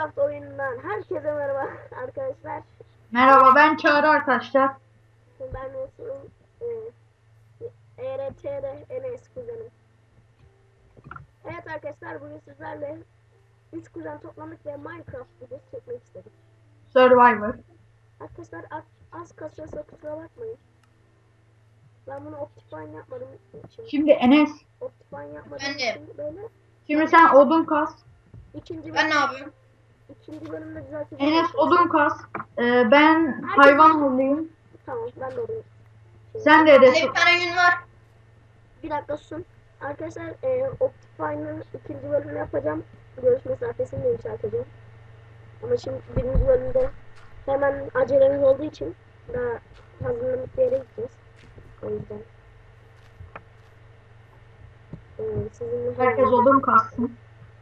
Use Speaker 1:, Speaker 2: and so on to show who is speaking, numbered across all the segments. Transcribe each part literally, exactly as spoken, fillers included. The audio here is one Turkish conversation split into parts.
Speaker 1: Minecraft oyunundan herkese merhaba arkadaşlar.
Speaker 2: Merhaba, ben Çağrı arkadaşlar.
Speaker 1: Ben Mesut'um. E, E R T'de Enes kuzenim. Evet arkadaşlar, bugün sizlerle üç kuzen toplandık ve Minecraft videosu çekmek istedik.
Speaker 2: Survivor.
Speaker 1: Arkadaşlar az, az kasıyorsa kusura bakmayın. Ben bunu Optifine yapmadım için.
Speaker 2: Şimdi Enes,
Speaker 1: Optifine yapmadığım
Speaker 3: Ben de.
Speaker 1: için böyle
Speaker 2: şimdi sen odun kas.
Speaker 1: ikinci
Speaker 3: Ben ne
Speaker 1: bölüm,
Speaker 3: yapıyorum?
Speaker 1: ikinci bölümde düzelteceğim.
Speaker 2: Enes
Speaker 1: arkadaşlar.
Speaker 2: odun kas. Ee, ben hayvan olayım.
Speaker 1: Tamam, ben de orayı.
Speaker 2: Sen de
Speaker 3: Bende
Speaker 2: Enes.
Speaker 3: bir tane yün var.
Speaker 1: Bir dakika susun. Arkadaşlar e, Optifine'ın ikinci bölümünü yapacağım. Görüş mesafesini de yükselteceğim. Ama şimdi birinci bölümde hemen acelemiz olduğu için daha hazırlanıp bir yere gideceğiz. O yüzden. E, sizinle
Speaker 2: Herkes odun kassın.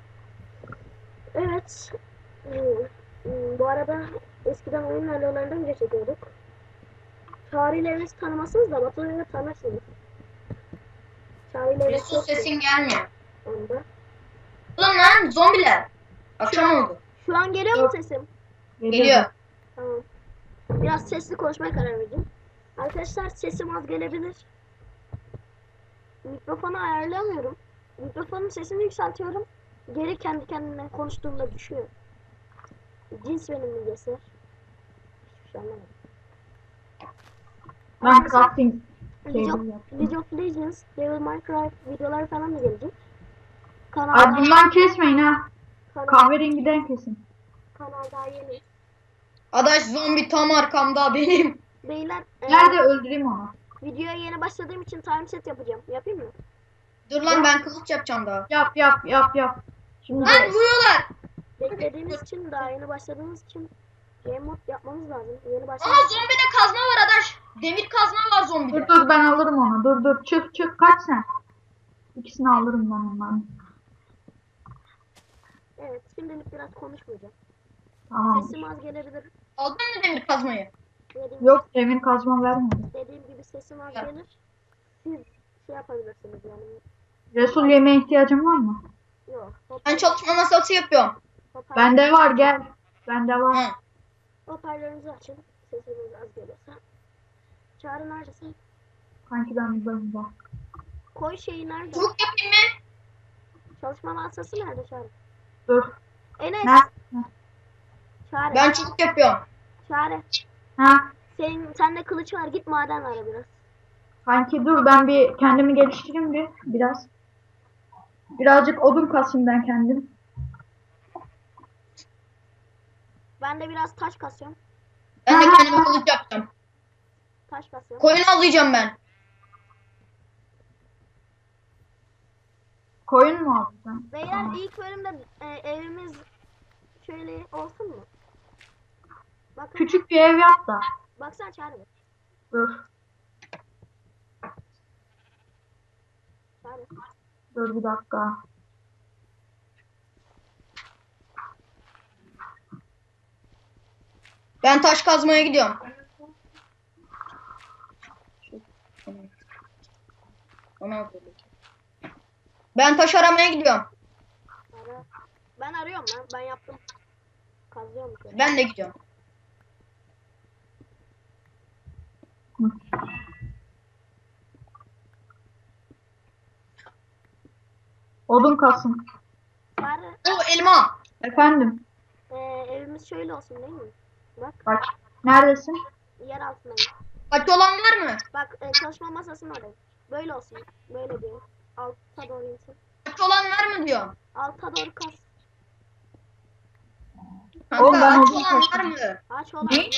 Speaker 1: Evet. E, e, bu arada eskiden oyun videolarından önce çekiyorduk. Tarihlerinizi tanımasınız da Batu'yu tanırsınız. Tarihleriniz
Speaker 3: Resul sesin gelmiyor.
Speaker 1: onda.
Speaker 3: Ulan lan zombiler. Akşam oldu.
Speaker 1: Şu an geliyor mu
Speaker 2: Yok.
Speaker 1: sesim?
Speaker 3: Geliyor.
Speaker 1: Tamam. Biraz sesli konuşmaya karar verdim. Arkadaşlar sesim az gelebilir. Mikrofonu ayarlamıyorum. Mikrofonun sesini yükseltiyorum. Geri kendi kendine konuştuğumda düşüyor. Cins benim bilgisi. Hiçbir şey anlamadım.
Speaker 2: Ben
Speaker 1: Arkadaşlar,
Speaker 2: crafting
Speaker 1: League of,
Speaker 2: table yaptım.
Speaker 1: League of Legends, Devil Minecraft videolar falan da gelecek.
Speaker 2: Ay
Speaker 1: Kanal,
Speaker 2: bundan kesmeyin ha.
Speaker 1: kanal,
Speaker 2: Kahverengiden kesin.
Speaker 1: kanal daha yeni.
Speaker 3: Adaş zombi tam arkamda benim.
Speaker 1: Beyler, e,
Speaker 2: Nerede öldüreyim onu?
Speaker 1: videoya yeni başladığım için time set yapacağım. Yapayım mı?
Speaker 3: Dur lan ben kılıç yapacağım daha.
Speaker 2: Yap yap yap yap. Şimdi
Speaker 3: Lan vuruyorlar.
Speaker 1: Beklediğiniz için, daha yeni başladığınız için game mod yapmamız lazım. Yeni
Speaker 3: Aa
Speaker 1: başladığınız
Speaker 3: zombide kazma var Adaş. Demir kazma var zombide.
Speaker 2: dur dur ben alırım onu. Dur dur çık çık kaç sen. İkisini alırım ben ondan.
Speaker 1: Evet, şimdilik biraz konuşmayacağım.
Speaker 2: Tamam.
Speaker 1: Sesim az gelebilir.
Speaker 3: Aldın mı demir kazmayı?
Speaker 1: Dediğim,
Speaker 2: Yok demir kazma vermedi.
Speaker 1: dediğim gibi sesim az
Speaker 3: Ya.
Speaker 1: gelir. Siz şey yapabilirsiniz yani.
Speaker 2: Resul yemeğe ihtiyacın var mı?
Speaker 1: Yok.
Speaker 3: Ben çalışma masası yapıyorum.
Speaker 1: Hoparlör,
Speaker 2: Bende var gel. Bende var.
Speaker 3: Hı.
Speaker 1: hoparlörünüzü açın. Sesiniz az geliyorsa. Çağrı neredesin?
Speaker 2: Kanki ben buradayım bak.
Speaker 1: Koy şeyi nerede?
Speaker 3: Çubuk yapayım mı?
Speaker 1: Çalışma masası nerede Çağrı?
Speaker 2: Dur.
Speaker 1: Enes.
Speaker 2: Ne?
Speaker 1: Çağrı.
Speaker 3: Ben çubuk yapıyorum.
Speaker 1: Çağrı.
Speaker 2: Ha?
Speaker 1: Senin, sende kılıç var. Git maden ara biraz.
Speaker 2: Kanki dur ben bir kendimi geliştireyim bir biraz. Birazcık odun kasayım ben kendim.
Speaker 1: Ben de biraz taş kasıyorum.
Speaker 3: Ben de kendime kılıç yapacağım.
Speaker 1: Taş kasıyorum.
Speaker 3: Koyun avlayacağım ben.
Speaker 2: Koyun mu aldın sen?
Speaker 1: Beyler
Speaker 2: Tamam.
Speaker 1: ilk bölümde e, evimiz şöyle olsun mu? Bakın,
Speaker 2: Küçük bir ev yap da.
Speaker 1: baksana Çağrı. bir.
Speaker 2: Dur.
Speaker 1: Çağrı.
Speaker 2: Dur bir dakika.
Speaker 3: Ben taş kazmaya gidiyorum. Ben taş aramaya gidiyorum.
Speaker 1: Ara. Ben arıyorum lan. Ben yaptım. Kazıyorum. bir kere.
Speaker 3: Ben de gidiyorum.
Speaker 2: Hı. Odun kasın.
Speaker 1: Çağrı.
Speaker 3: O elma.
Speaker 2: Efendim.
Speaker 1: E, evimiz şöyle olsun değil mi? Bak.
Speaker 2: Bak. Neredesin?
Speaker 1: Yer altındayım.
Speaker 3: Kaç olan var mı?
Speaker 1: Bak e, çalışma masasının orada. Böyle olsun. Böyle diyor. Alta doğru insin.
Speaker 3: Kaç olan var mı diyor.
Speaker 1: Alta doğru kas.
Speaker 3: Kanka
Speaker 2: Oğlum ben
Speaker 3: aç
Speaker 2: odun
Speaker 3: olan var
Speaker 2: taşıdım.
Speaker 3: mı?
Speaker 1: Ağaç olan
Speaker 2: Ne?
Speaker 1: yok.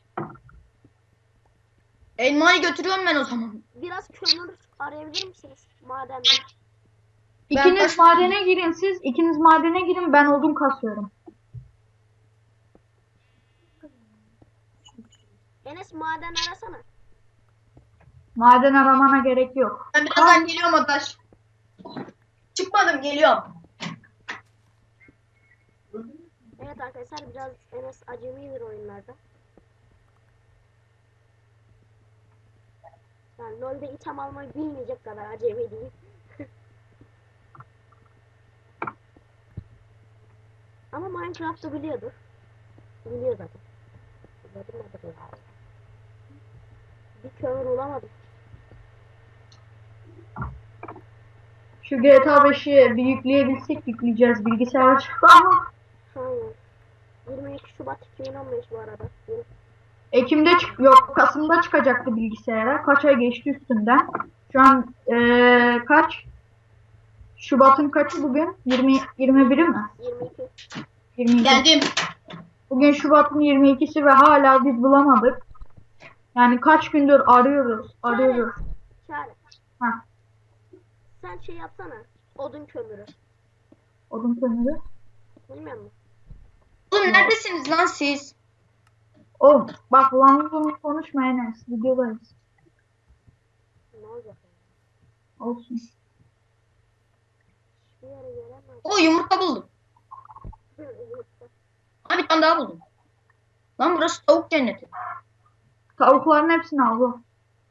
Speaker 3: Elmayı götürüyorum ben o zaman.
Speaker 1: Biraz kömür arayabilir misiniz? Madende.
Speaker 2: İkiniz
Speaker 3: taş-
Speaker 2: madene girin siz. İkiniz madene girin ben odun kasıyorum.
Speaker 1: Enes maden arasana.
Speaker 2: Maden aramana gerek yok.
Speaker 3: Ben birazdan geliyorum Adaş. Çıkmadım geliyorum.
Speaker 1: Evet arkadaşlar, biraz Enes acemidir oyunlarda. Yani LoL'de item almayı bilmeyecek kadar acemi değil. Ama Minecraft'ı biliyordur. Biliyor zaten. Biliyordur nedir ya? Bir kömür bulamadım.
Speaker 2: Şu G T A beşi bir yükleyebilsek yükleyeceğiz. Bilgisayar çıktı ama
Speaker 1: Aynen. yirmi iki Şubat iki bin on beş bu arada. Yeni-
Speaker 2: Ekim'de çık yok Kasım'da çıkacaktı bilgisayara. Kaç ay geçti üstünden. Şu an eee, kaç? Şubat'ın kaçı bugün? yirmi yirmi biri mi?
Speaker 1: yirmi iki.
Speaker 2: yirmi iki.
Speaker 3: Geldim.
Speaker 2: Bugün Şubat'ın yirmi ikisi ve hala biz bulamadık. Yani kaç gündür arıyoruz, arıyoruz.
Speaker 1: Çare.
Speaker 2: Ha,
Speaker 1: Sen şey yapsana. Odun kömürü.
Speaker 2: odun kömürü.
Speaker 1: Bilmiyor musun?
Speaker 3: Oğlum neredesiniz lan siz?
Speaker 2: O bak lan bunu konuşma Enes. Videodayız.
Speaker 1: Ne olacak?
Speaker 2: Olsun.
Speaker 1: Hiçbir yere gelemez.
Speaker 3: O yumurta buldum. Ha bir tane daha buldum. Lan burası tavuk cenneti.
Speaker 2: Tavukların hepsini al bu.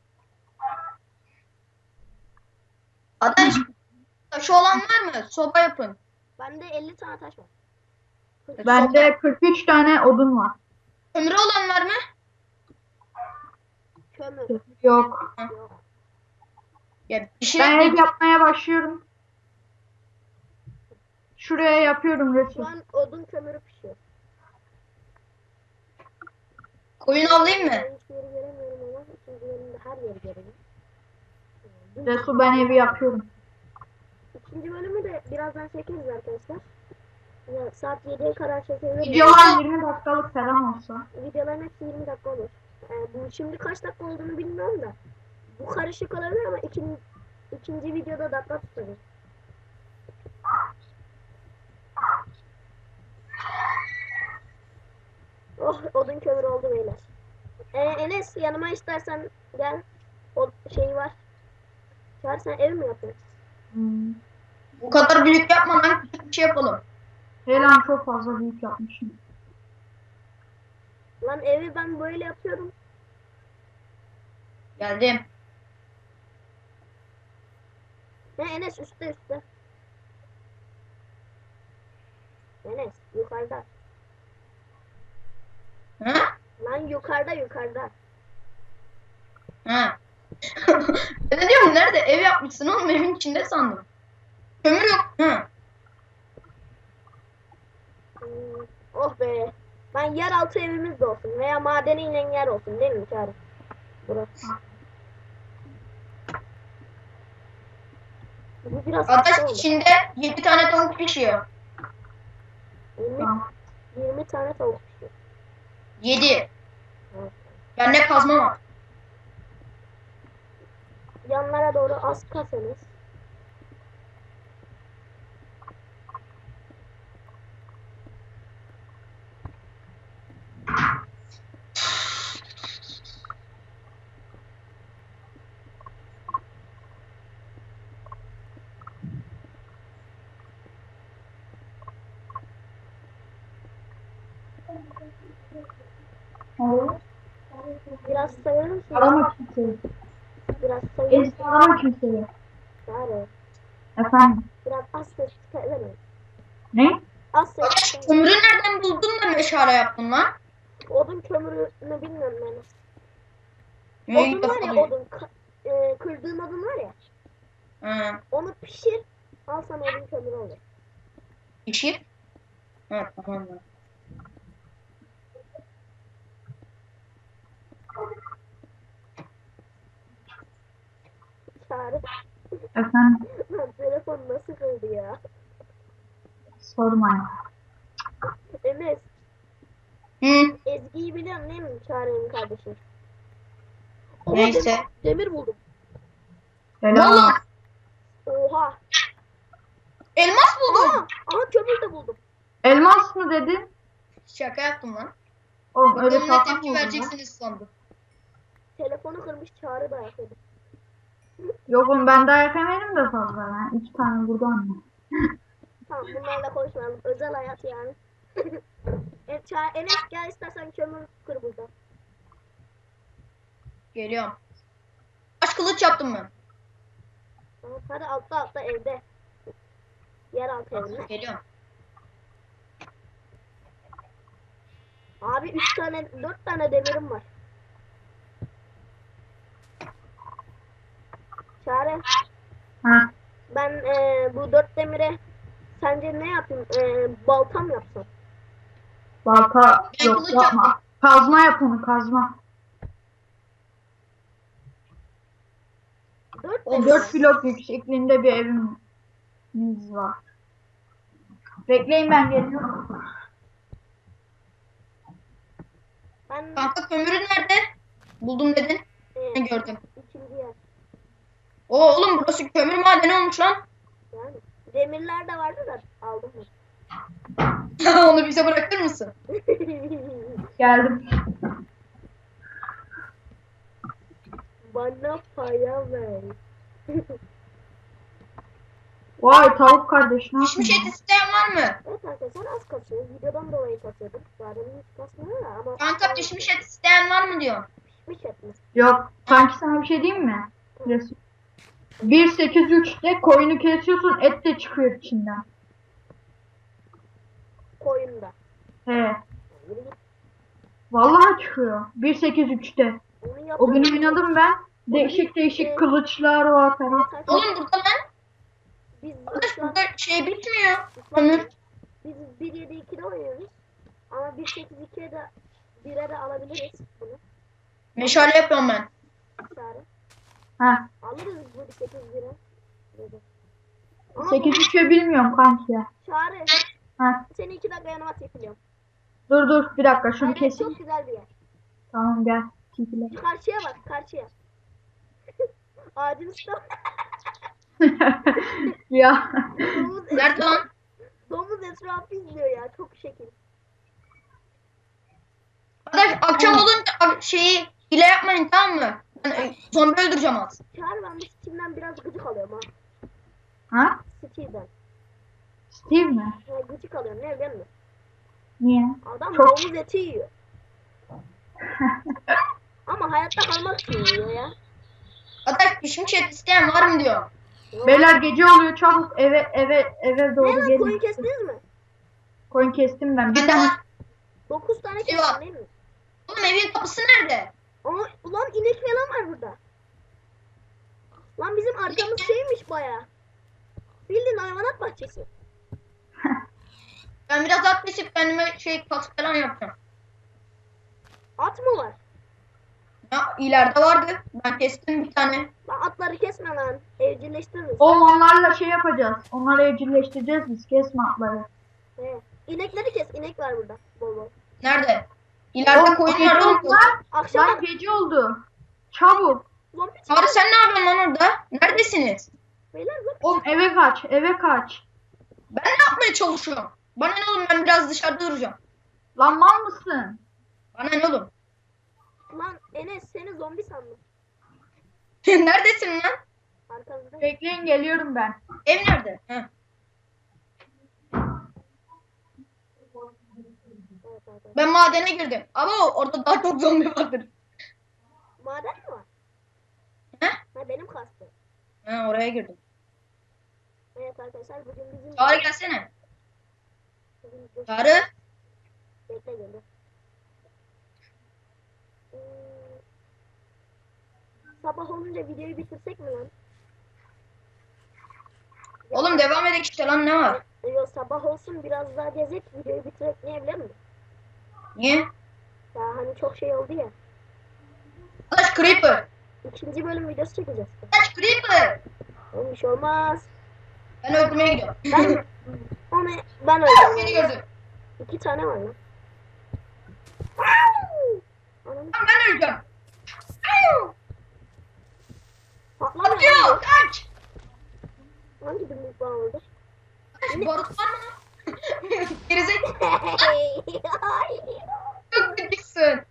Speaker 3: Adaş taşı olan var mı? Soba yapın.
Speaker 1: Bende elli tane taş var.
Speaker 2: Bende kırk üç tane odun var.
Speaker 3: Kömürü olan var mı?
Speaker 1: Kömür.
Speaker 2: Yok.
Speaker 1: Yok.
Speaker 3: Ya bir şey
Speaker 2: Ben ev yapmaya başlıyorum. Şuraya yapıyorum
Speaker 1: Şu
Speaker 2: resim.
Speaker 1: an odun kömürü pişiyor.
Speaker 3: koyun avlayayım mı?
Speaker 1: Ben hiçbir yeri göremiyorum ama ikinci bölümde her yeri görüyorum.
Speaker 2: Resul ben evi yapıyorum.
Speaker 1: İkinci bölümü de birazdan çekeriz arkadaşlar. Ya, saat yediye kadar çekeriz.
Speaker 2: Videolar yirmi dakikalık falan olsa.
Speaker 1: Videoların hepsi yirmi dakika olur. Yani bu şimdi kaç dakika olduğunu bilmiyorum da. Bu karışık olabilir ama ikinci, ikinci videoda dakika tutarız. Oh, odun kömür oldu beyler. Ee, Enes yanıma istersen gel. O şey var. Çağır, sen ev mi yapıyorsun?
Speaker 2: Hmm.
Speaker 3: Bu kadar büyük yapma lan, küçük bir şey yapalım.
Speaker 2: Helan çok fazla büyük yapmışım.
Speaker 1: Lan evi ben böyle yapıyorum.
Speaker 3: Geldim.
Speaker 1: Ne Enes üstte üstte. Enes yukarıda.
Speaker 3: Ha?
Speaker 1: Lan yukarıda yukarıda.
Speaker 3: Ha. Ben de diyorum nerede? Ev yapmışsın oğlum, evin içinde sandım. Kömür yok. Ha.
Speaker 1: Hmm, oh be. Ben yeraltı evimiz de olsun veya madeniyle yer olsun değil mi Çağrı? Burası. Bu biraz kısa
Speaker 3: Adaş
Speaker 1: oldu.
Speaker 3: içinde yedi tane tavuk pişiyor.
Speaker 1: yirmi,
Speaker 2: Tamam.
Speaker 1: yirmi tane tavuk pişiyor.
Speaker 3: yedi.
Speaker 1: Evet.
Speaker 3: Bende kazma var.
Speaker 1: Yanlara doğru az kasanız.
Speaker 2: Olur.
Speaker 1: Biraz sayar mısın?
Speaker 2: Arama kimseyi.
Speaker 1: Biraz sayar
Speaker 2: Enes
Speaker 1: mısın?
Speaker 2: arama kimseyi.
Speaker 1: Çağrı.
Speaker 2: Efendim.
Speaker 1: Biraz az ses çıkarır mı?
Speaker 2: Ne?
Speaker 1: Az ses
Speaker 3: Adaş
Speaker 1: çıkarır.
Speaker 3: kömürü nereden buldun da meşale yaptın lan?
Speaker 1: Odun kömürünü bilmiyorum ben.
Speaker 3: Ne
Speaker 1: Odun var ya
Speaker 3: yapalım?
Speaker 1: odun. Ka- e, kırdığın odun var ya.
Speaker 3: Ha.
Speaker 1: Onu pişir. Al sana odun kömürü olur.
Speaker 3: Pişir. Ha tamam. lan.
Speaker 1: Çağrı.
Speaker 2: Efendim.
Speaker 1: Lan telefon nasıl kırdı ya?
Speaker 2: Sorma ya.
Speaker 1: Enes.
Speaker 3: Hı.
Speaker 1: Ezgi'yi biliyorsun değil mi? Çağrı'nın kardeşi. Oha,
Speaker 3: Neyse.
Speaker 1: Demir, demir buldum.
Speaker 2: Selam.
Speaker 3: Oğlum
Speaker 1: Oha.
Speaker 3: elmas
Speaker 1: Aa,
Speaker 3: buldum.
Speaker 1: aha kömür de buldum.
Speaker 2: Elmas mı dedin?
Speaker 3: Şaka yaptım lan.
Speaker 2: Oğlum öyle
Speaker 3: Bakalım ne
Speaker 2: şaka mı
Speaker 3: tepki
Speaker 2: olur ya?
Speaker 3: vereceksiniz sandım.
Speaker 1: Telefonu kırmış Çağrı da yapıyordu.
Speaker 2: Yok oğlum ben dayak yemedim de fazla. Yani iki tane buradan.
Speaker 1: Tamam bunlarla konuşmayalım. Özel hayat yani. evet, Çağrı, Enes gel istersen kömür kır burada.
Speaker 3: Geliyorum. Kaç kılıç yaptım ben?
Speaker 1: Tamam, hadi altta altta evde. Yer altı evinde.
Speaker 3: Geliyorum.
Speaker 1: Abi üç tane, dört tane demirim var. Çare,
Speaker 2: Ha,
Speaker 1: ben e, bu dört demire sence ne yapayım? E, balta mı yapsam?
Speaker 2: balta
Speaker 3: Ben
Speaker 2: yok
Speaker 3: kılıç
Speaker 2: yapma. Kazma yap onu kazma.
Speaker 1: Dört
Speaker 3: O
Speaker 1: demir
Speaker 2: dört
Speaker 1: var.
Speaker 2: blok yüksekliğinde bir evimiz var. Bekleyin ben geliyorum.
Speaker 1: Ben
Speaker 3: Kanka kömürün nerede? Buldum dedin.
Speaker 1: e,
Speaker 3: Ne gördüm.
Speaker 1: ikinci yer.
Speaker 3: Oo oğlum burası kömür madeni olmuş lan.
Speaker 1: Yani demirler de vardı da aldım mı?
Speaker 3: Onu bize bırakır mısın?
Speaker 2: Geldim.
Speaker 1: Bana paya ver.
Speaker 2: Vay tavuk kardeş ne
Speaker 3: Pişmiş et
Speaker 2: yapıyorsun?
Speaker 3: isteyen var mı?
Speaker 1: Evet arkadaşlar az kasıyor. Videodan dolayı kasıyorduk. Zaten hiç kasmıyor ya ama.
Speaker 3: Kanka pişmiş et isteyen var mı diyor.
Speaker 1: Pişmiş et mi?
Speaker 2: Yok sanki sana bir şey diyeyim mi? Resul. bir sekiz üçte koyunu kesiyorsun et de çıkıyor içinden.
Speaker 1: Koyunda.
Speaker 2: He.
Speaker 1: Yürü git.
Speaker 2: Vallahi çıkıyor. bir sekiz üçte.
Speaker 1: Onu yap.
Speaker 2: O gün oynadım ben. Değişik
Speaker 1: Ee,
Speaker 2: değişik kılıçlar var falan.
Speaker 3: Oğlum burada lan.
Speaker 1: Biz
Speaker 3: Arkadaş
Speaker 1: şu an
Speaker 3: burada şey bitmiyor. Kömür.
Speaker 1: biz bir yedi ikide oynuyoruz. Ama bir sekiz ikiye de bire de alabiliriz bunu.
Speaker 3: Meşale yapıyorum ben.
Speaker 1: Çare.
Speaker 2: Ha.
Speaker 1: Alırız bu bir sekiz bire. Dedi. Ama
Speaker 2: sekiz üçe bilmiyorum kanki ya.
Speaker 1: Çare.
Speaker 2: Ha.
Speaker 1: Seni iki dakika yanıma çekiliyorum.
Speaker 2: Dur dur bir dakika şunu
Speaker 1: Aynen,
Speaker 2: keseyim.
Speaker 1: çok güzel bir yer.
Speaker 2: Tamam gel. Çekile.
Speaker 1: Karşıya bak, karşıya. Ağacın üstü.
Speaker 2: Ya.
Speaker 1: Domuz,
Speaker 3: Nerede lan?
Speaker 1: domuz etrafı izliyor ya. Çok şekil.
Speaker 3: Arkadaş akşam olunca a- şeyi hile yapmayın tamam mı? Ben e, zombi öldüreceğim az.
Speaker 1: Çağır ben bu Steam'den biraz gıcık alıyorum ha.
Speaker 2: Ha?
Speaker 1: Steam'den.
Speaker 2: Steve mi?
Speaker 1: Ya, gıcık alıyorum ne biliyor musun?
Speaker 2: Niye?
Speaker 1: Adam
Speaker 2: Çok-
Speaker 1: domuz eti yiyor. Ama hayatta kalmak için yiyor ya.
Speaker 3: Arkadaş pişmiş et isteyen var mı diyor.
Speaker 1: Yok.
Speaker 2: Beyler gece oluyor çabuk eve eve eve
Speaker 1: Ne
Speaker 2: doğru
Speaker 1: lan
Speaker 2: gelin.
Speaker 1: koyun kestiniz mi?
Speaker 2: Koyun kestim ben. Bir
Speaker 3: Bende
Speaker 2: tane
Speaker 3: var.
Speaker 1: Dokuz tane
Speaker 3: Şey
Speaker 1: kestin
Speaker 3: var.
Speaker 1: değil mi?
Speaker 3: Oğlum evin kapısı nerede?
Speaker 1: Ama ulan inek falan var burada. Lan bizim arkamız şeymiş baya. Bildiğin hayvanat bahçesi.
Speaker 3: Ben biraz at kesip kendime şey kask falan yapacağım.
Speaker 1: At mı var?
Speaker 3: Ya ileride vardı. Ben kestim bir tane.
Speaker 1: Lan atları kesme lan. Evcilleştiririz.
Speaker 2: oğlum onlarla şey yapacağız. Onları evcilleştireceğiz biz. Kesme atları.
Speaker 1: He. İnekleri kes. İnek var burada. Bol bol.
Speaker 3: Nerede? İleride
Speaker 2: Oğlum,
Speaker 3: koyun
Speaker 2: gece
Speaker 3: var oğlum.
Speaker 2: oldu lan.
Speaker 1: Akşam
Speaker 2: Lan gece oldu. Çabuk.
Speaker 1: zombi
Speaker 3: Çağrı
Speaker 1: çıktı.
Speaker 3: sen ne yapıyorsun lan orada? Neredesiniz?
Speaker 1: Beyler zombi
Speaker 2: Oğlum eve kaç. Eve kaç.
Speaker 3: Ben ne yapmaya çalışıyorum? Bana ne oğlum ben biraz dışarıda duracağım.
Speaker 2: Lan mal mısın?
Speaker 3: Bana ne oğlum?
Speaker 1: Lan Enes seni zombi sandım.
Speaker 3: Neredesin lan?
Speaker 1: Arkanızda.
Speaker 2: Bekleyin geliyorum ben.
Speaker 3: Ev nerede? Heh.
Speaker 1: Evet, evet, evet.
Speaker 3: Ben madene girdim. Ama orada daha çok zombi vardır.
Speaker 1: Maden mi var?
Speaker 3: He?
Speaker 1: Ha benim kastım.
Speaker 3: Ha, oraya girdim.
Speaker 1: Evet arkadaşlar bugün bizim...
Speaker 3: Çağrı gelsene.
Speaker 1: Bugün-
Speaker 3: Çağrı.
Speaker 1: Bekle geliyor. Hmm. Sabah olunca videoyu bitirsek mi lan?
Speaker 3: Oğlum devam edek işte lan ne var?
Speaker 1: Yok sabah olsun biraz daha gezek videoyu bitirek niye biliyor musun?
Speaker 3: Niye?
Speaker 1: Ya hani çok şey oldu ya.
Speaker 3: Kaç creeper.
Speaker 1: İkinci bölüm videosu çekeceğiz.
Speaker 3: Kaç creeper.
Speaker 1: Oğlum bir şey olmaz.
Speaker 3: Ben öldürmeye gidiyorum.
Speaker 1: Ben onu ben
Speaker 3: Beni
Speaker 1: öldüm.
Speaker 3: gördü.
Speaker 1: İki tane var lan. Ananı
Speaker 3: Lan ben öleceğim.
Speaker 1: patlamıyor.
Speaker 3: Atıyor. Kaç.
Speaker 1: Hangi birlik bana oldu?
Speaker 3: Kaç barut var mı? Gerizekalı. Çok gıcıksın.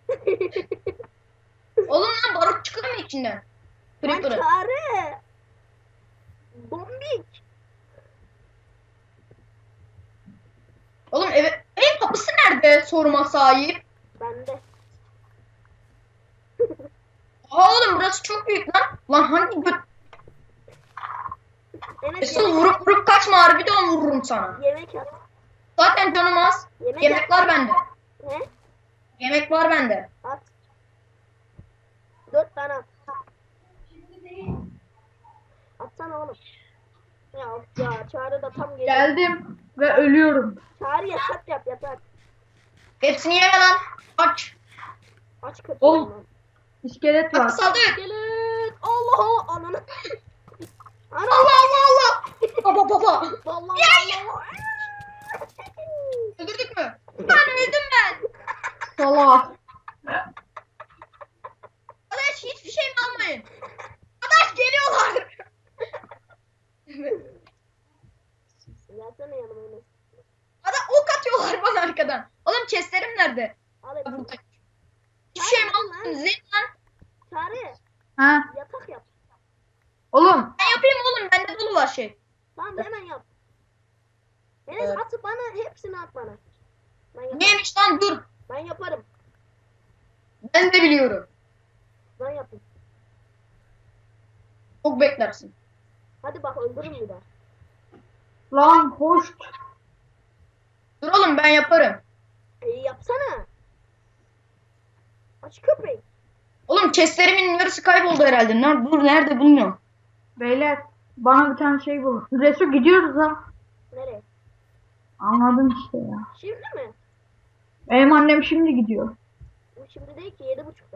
Speaker 3: Oğlum lan barut çıkıyor mu içinden?
Speaker 1: Lan
Speaker 3: Creeper'ı.
Speaker 1: çare. Bombik.
Speaker 3: Oğlum eve, evin kapısı nerede soruma sahip?
Speaker 1: Bende.
Speaker 3: Aa oğlum burası çok büyük lan. Lan hangi göt...
Speaker 1: Enes
Speaker 3: Esıl
Speaker 1: yemek,
Speaker 3: vurup vurup kaçma harbi de vururum sana.
Speaker 1: yemek at.
Speaker 3: Zaten canım az.
Speaker 1: Yemek
Speaker 3: Yemek var bende.
Speaker 1: Ne?
Speaker 3: Yemek var bende.
Speaker 1: At. Dört tane at. Atsana oğlum. Ya ya Çağrı da tam geliyor.
Speaker 2: Geldim ve ölüyorum.
Speaker 1: Çağrı yatak yap yatak.
Speaker 3: Hepsini yeme lan. Aç.
Speaker 1: Aç kapıyı.
Speaker 2: Oğlum.
Speaker 1: lan.
Speaker 2: İskelet var.
Speaker 3: Bak saldır.
Speaker 1: Gelin. Allah Allah ananı. Ana.
Speaker 3: Allah Allah Allah. Baba baba.
Speaker 1: Vallahi Allah.
Speaker 3: Öldürdük mü? Ben öldüm ben.
Speaker 2: Salak.
Speaker 3: Arkadaş hiçbir şey mi almayın? Arkadaş geliyorlar.
Speaker 1: Gelsene yanıma Enes.
Speaker 3: Adam ok atıyorlar bana arkadan. Oğlum chestlerim nerede?
Speaker 1: Al hepsini.
Speaker 3: Burada. Hiçbir şey mi almadın? Zeyn lan.
Speaker 1: Çağrı
Speaker 2: Ha?
Speaker 1: yatak yap.
Speaker 2: Oğlum.
Speaker 3: Ben yapayım oğlum. Bende dolu var şey.
Speaker 1: Tamam hemen yap. Enes
Speaker 3: Evet.
Speaker 1: at bana hepsini at bana. Ben yaparım.
Speaker 3: Neymiş lan dur.
Speaker 1: Ben yaparım.
Speaker 3: Ben de biliyorum.
Speaker 1: Ben yapayım.
Speaker 3: Çok beklersin.
Speaker 1: Hadi bak öldürün bir daha.
Speaker 2: Lan hoş.
Speaker 3: Dur oğlum ben yaparım.
Speaker 1: E, yapsana. Aç köpeği.
Speaker 3: Oğlum chestlerimin yarısı kayboldu herhalde. Nerede, dur nerede bilmiyorum.
Speaker 2: Beyler bana bir tane şey bulun. Resul gidiyoruz ha.
Speaker 1: Nereye?
Speaker 2: Anladın işte ya.
Speaker 1: Şimdi mi?
Speaker 2: Benim annem şimdi gidiyor.
Speaker 1: Bu şimdi değil ki yedi buçukta.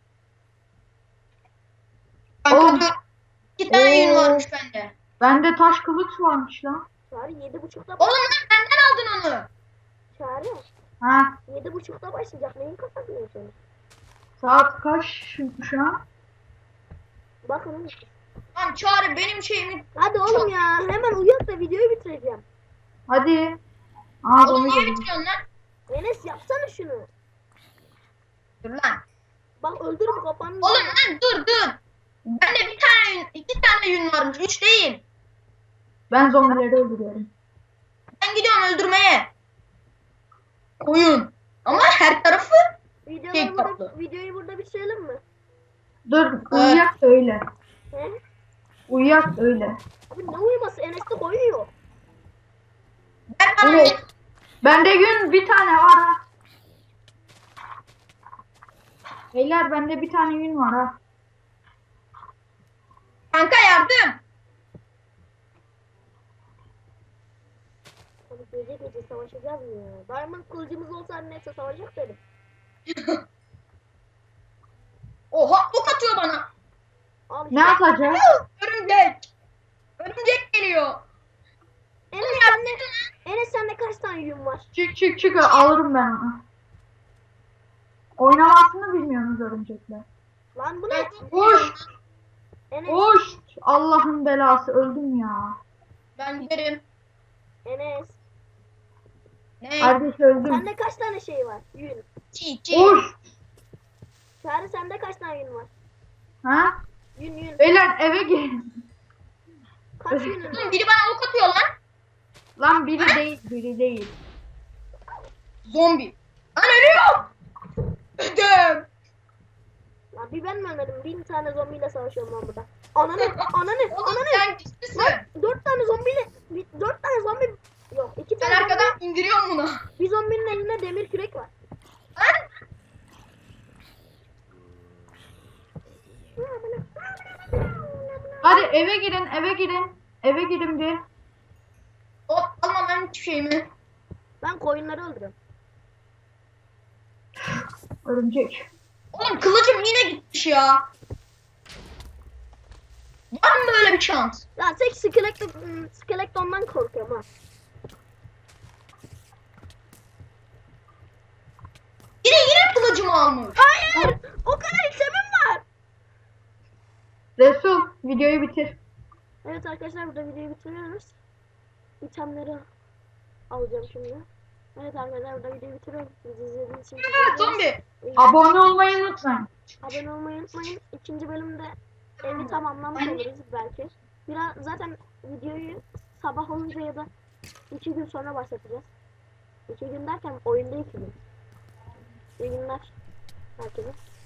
Speaker 3: Kanka
Speaker 2: Oğlum.
Speaker 3: dur. İki tane yün
Speaker 2: Oo.
Speaker 3: varmış bende.
Speaker 2: Bende taş kılıç varmış lan.
Speaker 1: Çağrı yedi buçukta
Speaker 3: Oğlum lan benden aldın onu.
Speaker 1: Çağrı
Speaker 2: Ha?
Speaker 1: yedi buçukta başlayacak. Neyin kafasını yaşıyorsun?
Speaker 2: Saat kaç şu, şu an?
Speaker 1: Bakın.
Speaker 3: Lan Çağrı benim şeyimi.
Speaker 1: Hadi oğlum ya. Hemen uyan da videoyu bitireceğim.
Speaker 2: Hadi. Aa
Speaker 3: Oğlum
Speaker 2: bunu
Speaker 3: niye
Speaker 2: gördüm.
Speaker 3: bitiriyorsun lan?
Speaker 1: Enes yapsana şunu.
Speaker 3: Dur lan.
Speaker 1: Bak öldür bu kafanı.
Speaker 3: Oğlum lan dur dur. Bende bir tane yün, iki tane yün varmış. Üç değil.
Speaker 2: Ben zombileri öldürüyorum.
Speaker 3: Ben gidiyorum öldürmeye. Koyun. Ama her tarafı
Speaker 1: Videoları
Speaker 3: Tek
Speaker 1: burada,
Speaker 3: tatlı.
Speaker 1: videoyu burada bitirelim mi?
Speaker 2: Dur uyuyak da öyle.
Speaker 1: He?
Speaker 2: Uyuyak da öyle.
Speaker 1: Abi ne uyuması? Enes de koyuyor.
Speaker 3: ver bana
Speaker 2: Oğlum.
Speaker 3: yün.
Speaker 2: Bende gün bir tane var ha. Beyler bende bir tane yün var ha.
Speaker 3: Kanka yardım.
Speaker 1: Abi gece gece savaşacağız mı ya? Diamond kılıcımız olsa neyse savaşacak dedim.
Speaker 3: Oha ok atıyor bana.
Speaker 1: Al
Speaker 2: Ne
Speaker 1: işte.
Speaker 2: yapacağız?
Speaker 3: Örümcek. Örümcek geliyor.
Speaker 1: Enes sende, Enes sende kaç tane yün var?
Speaker 2: Çık çık çık alırım ben onu. Oynamasını bilmiyorsunuz örümcekler.
Speaker 1: Lan bu ne?
Speaker 2: Hoş.
Speaker 1: Enes,
Speaker 2: Hoş. Allah'ın belası öldüm ya.
Speaker 3: Ben giderim.
Speaker 1: Enes.
Speaker 3: Ne?
Speaker 2: Kardeş öldüm.
Speaker 1: Sende kaç tane şey var? Yün.
Speaker 3: Çiğ çiğ.
Speaker 2: Hoş.
Speaker 1: Çağrı sende kaç tane yün var?
Speaker 2: Ha?
Speaker 1: Yün yün.
Speaker 2: Beyler eve gelin.
Speaker 1: Kaç yünün
Speaker 3: Oğlum
Speaker 1: var?
Speaker 3: biri bana ok atıyor lan.
Speaker 2: Lan biri değil biri değil.
Speaker 3: Zombi. Lan ölüyorum. Öldüm.
Speaker 1: Lan bir ben mi ölmedim? Bin tane zombiyle savaşıyorum lan burada. Ananı, ananı,
Speaker 3: Oğlum
Speaker 1: ananı.
Speaker 3: sen güçlüsün.
Speaker 1: Lan dört tane zombiyle, bir- dört tane zombi. Yok iki
Speaker 3: Ben
Speaker 1: tane zombi.
Speaker 3: arkadan indiriyorum bunu.
Speaker 1: Bir zombinin elinde demir kürek var.
Speaker 3: Lan.
Speaker 2: Hadi eve girin eve girin. Eve girin bir.
Speaker 3: Hop alma ben hiçbir şeyimi.
Speaker 1: Ben koyunları öldürüyorum.
Speaker 2: Örümcek.
Speaker 3: Oğlum kılıcım yine gitmiş ya. Var mı böyle bir şans?
Speaker 1: Ya tek skelet, skeletondan korkuyorum ha.
Speaker 3: Yine yine kılıcımı almış.
Speaker 1: Hayır! O kadar itemim var.
Speaker 2: Resul videoyu bitir.
Speaker 1: Evet arkadaşlar burada videoyu bitiriyoruz. İtemleri alacağım şimdi. Evet arkadaşlar burada videoyu bitiriyorum. Bizi izlediğiniz için teşekkür ederiz.
Speaker 3: Zombi.
Speaker 2: Abone olmayı unutmayın.
Speaker 1: Abone olmayı unutmayın. İkinci bölümde evi tamamlamış oluruz belki. Biraz zaten videoyu sabah olunca ya da iki gün sonra başlatacağız. İki gün derken oyunda iki gün. İyi günler herkese.